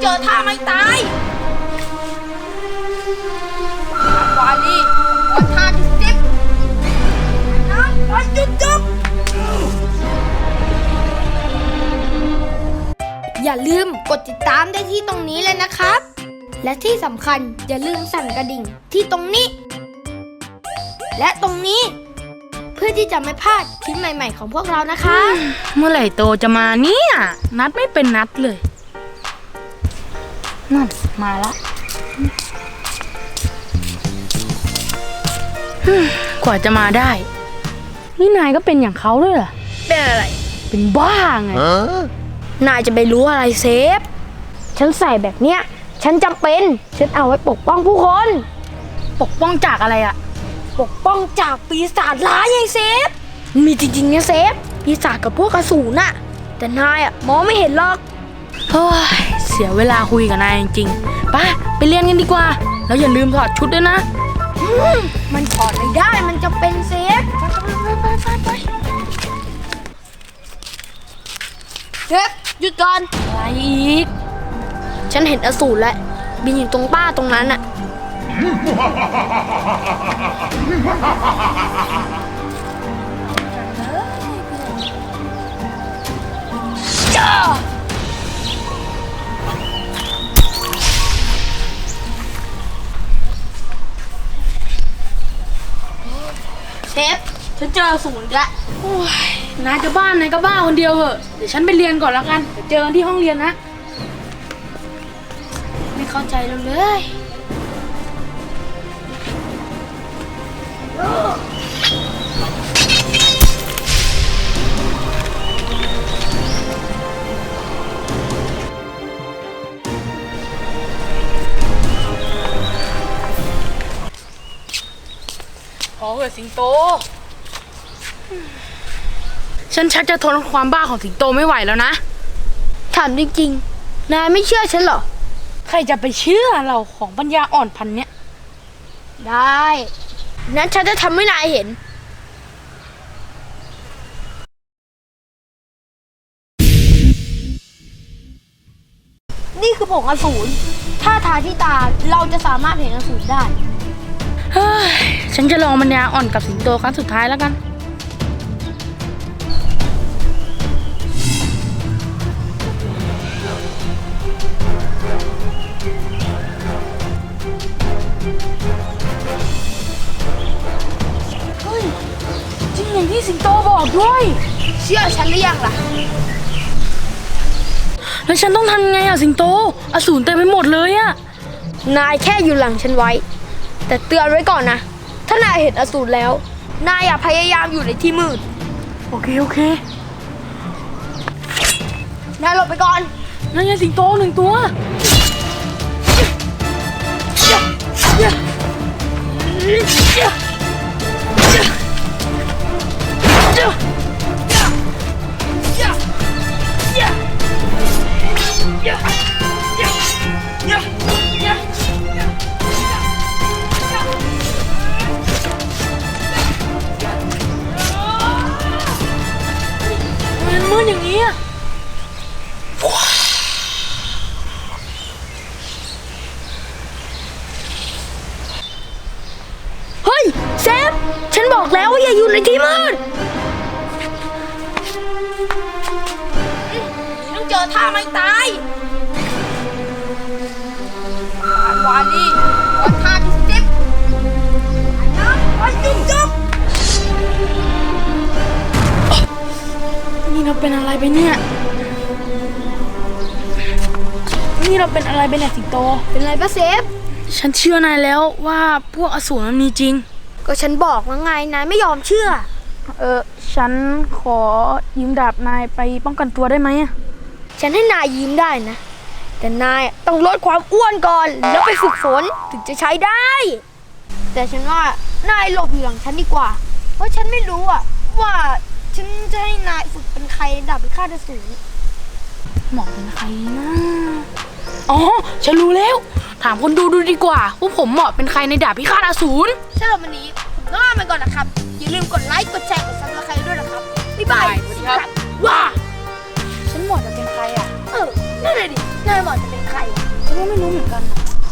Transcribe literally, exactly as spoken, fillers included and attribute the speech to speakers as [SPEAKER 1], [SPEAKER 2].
[SPEAKER 1] เจอท่าไม่ตายวาลีวันท่าที่สิบน้ำไปจุดจบอย่าลืมกดติดตามได้ที่ตรงนี้เลยนะครับและที่สำคัญอย่าลืมสั่นกระดิ่งที่ตรงนี้และตรงนี้เพื่อที่จะไม่พลาดคลิปใหม่ๆของพวกเรานะคะ
[SPEAKER 2] เมื่อไหร่โตจะมาเนี่ยนัดไม่เป็นนัดเลยนั่นมาละกว่าจะมาได้นี่นายก็เป็นอย่างเขาด้วยเหรอ
[SPEAKER 1] เป็นอะไร
[SPEAKER 2] เป็นบ้าไง
[SPEAKER 1] นายจะไปรู้อะไรเซฟฉันใส่แบบเนี้ยฉันจำเป็นฉันเอาไว้ปกป้องผู้คน
[SPEAKER 2] ปกป้องจากอะไรอะ
[SPEAKER 1] ปกป้องจากปีศาจร้ายไงเซฟมีจริงๆนะเซฟปีศาจกับพวกอสูรน่ะแต่นายอะมองไม่เห็นหรอก
[SPEAKER 2] เฮ้ยเสียเวลาคุยกับนายจริงๆไปไปเรียนกันดีกว่าแล้วอย่าลืมถอดชุดด้วยนะ
[SPEAKER 1] มันถอดไม่ได้มันจะเป็นเซฟไปไปไปไปเซฟหยุดก่อน
[SPEAKER 2] อะไรอีก
[SPEAKER 1] ฉันเห็นอสูรแล้วบินอยู่ตรงป้าตรงนั้นน่ะจ้าเชฟฉันเจออสูรแล้ว
[SPEAKER 2] นายจะบ้านนายก็บ้าคนเดียวเหอะเดี๋ยวฉันไปเรียนก่อนแล้วกันเดี๋ยวเจอกันที่ห้องเรียนนะ
[SPEAKER 1] ไม่เข้าใจเราเลย
[SPEAKER 2] พอเหอะสิงโตฉันชักจะทนความบ้าของสิงโตไม่ไหวแล้วนะ
[SPEAKER 1] ถามจริงๆนายไม่เชื่อฉันเหรอ
[SPEAKER 2] ใครจะไปเชื่อเราของปัญญาอ่อนพันเนี้ย
[SPEAKER 1] ได้นั้นฉันจะทำให้นายเห็นนี่คือผงอสูรถ้าทาที่ตาเราจะสามารถเห็นอสูรได้
[SPEAKER 2] เฮ้ยฉันจะลองปัญญาอ่อนกับสิงโตครั้งสุดท้ายแล้วกันเฮ้ยจริงอย่างที่สิงโตบอกด้วย
[SPEAKER 1] เชื่อฉันหรือยังล่ะ
[SPEAKER 2] แล้วฉันต้องทำไงอะสิงโตอสูรเต็มไปหมดเลยอะ
[SPEAKER 1] นายแค่อยู่หลังฉันไว้แต่เตือนไว้ก่อนนะถ้านายเห็นอสูรแล้วนายอย่าพยายามอยู่ในที่มืด
[SPEAKER 2] โอเคโอเคน
[SPEAKER 1] ายหลบไปก่อน
[SPEAKER 2] นั่นไงสิงโตหนึ่งตัวมันมืดอย่างนี้อะ
[SPEAKER 1] เฮ้ยเซฟฉันบอกแล้วว่าอย่าอยู่ในที่มืดต้องเจอท่าไม่ตายวาลีวันท่าที่สิบน้ำไปจุดจบ
[SPEAKER 2] นี่เราเป็นอะไรไปเนี่ยนี่เราเป็นอะไรไปเนี่ยสิงโต
[SPEAKER 1] เป็นอะไรปะเซฟ
[SPEAKER 2] ฉันเชื่อนายแล้วว่าพวกอสูรมันมีจริง
[SPEAKER 1] ก็ฉันบอกแล้วไงนายไม่ยอมเชื่อ
[SPEAKER 2] เออฉันขอยืมดาบนายไปป้องกันตัวได้ไหม
[SPEAKER 1] ฉันให้นายยืมได้นะแต่นายต้องลดความอ้วนก่อนแล้วไปฝึกฝนถึงจะใช้ได้แต่ฉันว่านายหลบอยู่หลังฉันดีกว่าเพราะฉันไม่รู้อะว่าฉันจะให้นายฝึกเป็นใครดาบพิฆาตอสูร
[SPEAKER 2] เหมาะเป็นใครนะอ๋อฉันรู้แล้วถามคนดูดูดีกว่าว่าผมเหมาะเป็นใครในดาบพิฆาตอสูร
[SPEAKER 1] สำหรับวันนี้ผมต้องลาไปก่อนนะครับอย่าลืมกดไลค์กดแชร์กดซับสไครต์ด้วยนะครับบ๊ายบายสวัสดีครับ
[SPEAKER 2] ว้าฉันเหมาะจะเป็นใครอ่ะ
[SPEAKER 1] เออนั่นเลยดินายเหมาะจะเป็นใคร
[SPEAKER 2] ก็ไม่รู้เหมือนกันอะ